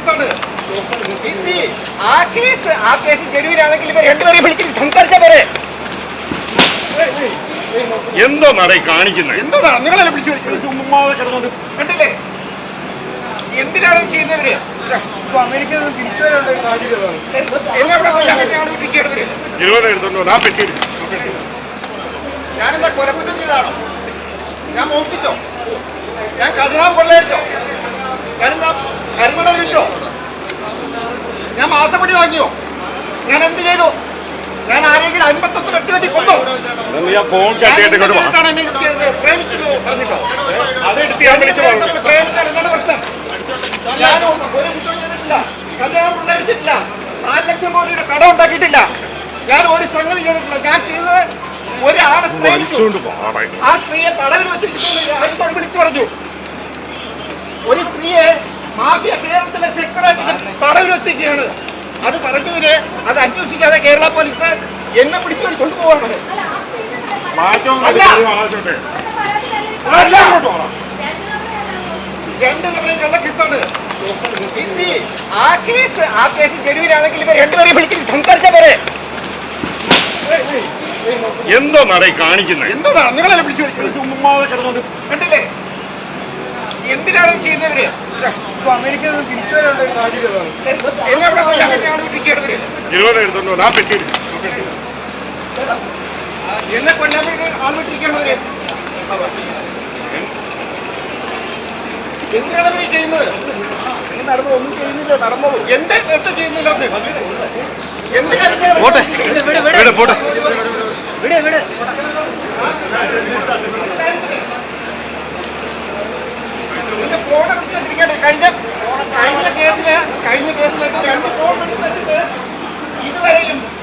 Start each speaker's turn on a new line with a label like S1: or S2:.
S1: കേസാണ്. ആ കേസ് ജനുവിനാണെങ്കിൽ ഇവർ രണ്ടുപേരെയും വിളിച്ച് സംസാരിച്ച പോലെ.
S2: എന്തോ നടയി കാണിക്കുന്നത്?
S1: എന്തോന്നാ നിങ്ങളെ വിളിച്ചു കിടന്നുകൊണ്ട് കണ്ടില്ലേ? എന്തിനാണ് ചെയ്യുന്നവര്?
S3: അമേരിക്കയിൽ നിന്ന് തിരിച്ചു വരേണ്ട ഒരു സാഹചര്യമാണ്.
S1: ഞാനെന്താ കൊലക്കുറ്റം ചെയ്താണോ? ഞാൻ മോഷ്ടിച്ചോ? ഞാൻ ഖജനാവ് കൊള്ളയടിച്ചോ? ഞാനെന്താ കരിമണ വിറ്റോ? ഞാൻ മാസപ്പടി വാങ്ങിയോ? ഞാൻ എന്ത് ചെയ്തു? ഞാൻ ആരെങ്കിലും 51 വെട്ടി കൊന്നോ? പ്രേമിച്ചാൽ എന്താണ് പ്രശ്നം? ഞാൻ ഒരു കുറ്റവും ചെയ്തിട്ടില്ല. ഖജനാവ് കൊള്ളയടിച്ചിട്ടില്ല. 4 ലക്ഷം രൂപയുടെ കട ഉണ്ടാക്കിയിട്ടില്ല. ഞാൻ ഒരു സംഗതി ചെയ്തിട്ടില്ല. ഞാൻ ചെയ്തത് ഒരാളെ ആ സ്ത്രീയെ തടവിൽ വെച്ചിരിക്കുന്നു വിളിച്ചു പറഞ്ഞു. ഒരു സ്ത്രീയെ മാഫിയ കേരളത്തിലെ സെക്രട്ടറി തടവിൽ വെച്ചിരിക്കുകയാണ്. അത് പറഞ്ഞതിന് അത് അന്വേഷിക്കാതെ കേരള പോലീസ് എന്നെ പിടിച്ചു കൊണ്ടുപോവാണ്. രണ്ടു തവണയും കള്ള കേസാണ്. ആ കേസ് ജനുവിനാണെങ്കിൽ ഇവർ രണ്ടുപേരെയും വിളിച്ച് സംസാരിച്ച പോലെ.
S2: എന്തോ നടയി കാണിക്കുന്നത്?
S1: എന്തോന്നാ നിങ്ങളെ വിളിച്ചു കിടന്നുകൊണ്ട് കണ്ടില്ലേ? എന്തിനാണ് ചെയ്യുന്നവര്?
S3: അമേരിക്കയിൽ നിന്ന് തിരിച്ചു വരേണ്ട ഒരു സാഹചര്യമാണ്.
S1: എന്നെ കൊല്ലാൻ വേണ്ടി ആൾ വിട്ടിരിക്കുകയാണ്. എന്തിനാണ് ഇവര് ചെയ്യുന്നത്? നടന്നു ഒന്നും ചെയ്യുന്നില്ല. നടന്നോളൂ. എന്ത് ചെയ്യുന്നില്ല? ഫോൺ എടുത്ത് വെച്ചിരിക്കട്ടെ. കഴിഞ്ഞ കേസിലേക്ക് 2 ഫോൺ എടുത്ത് വെച്ചിട്ട് ഇതുവരെയും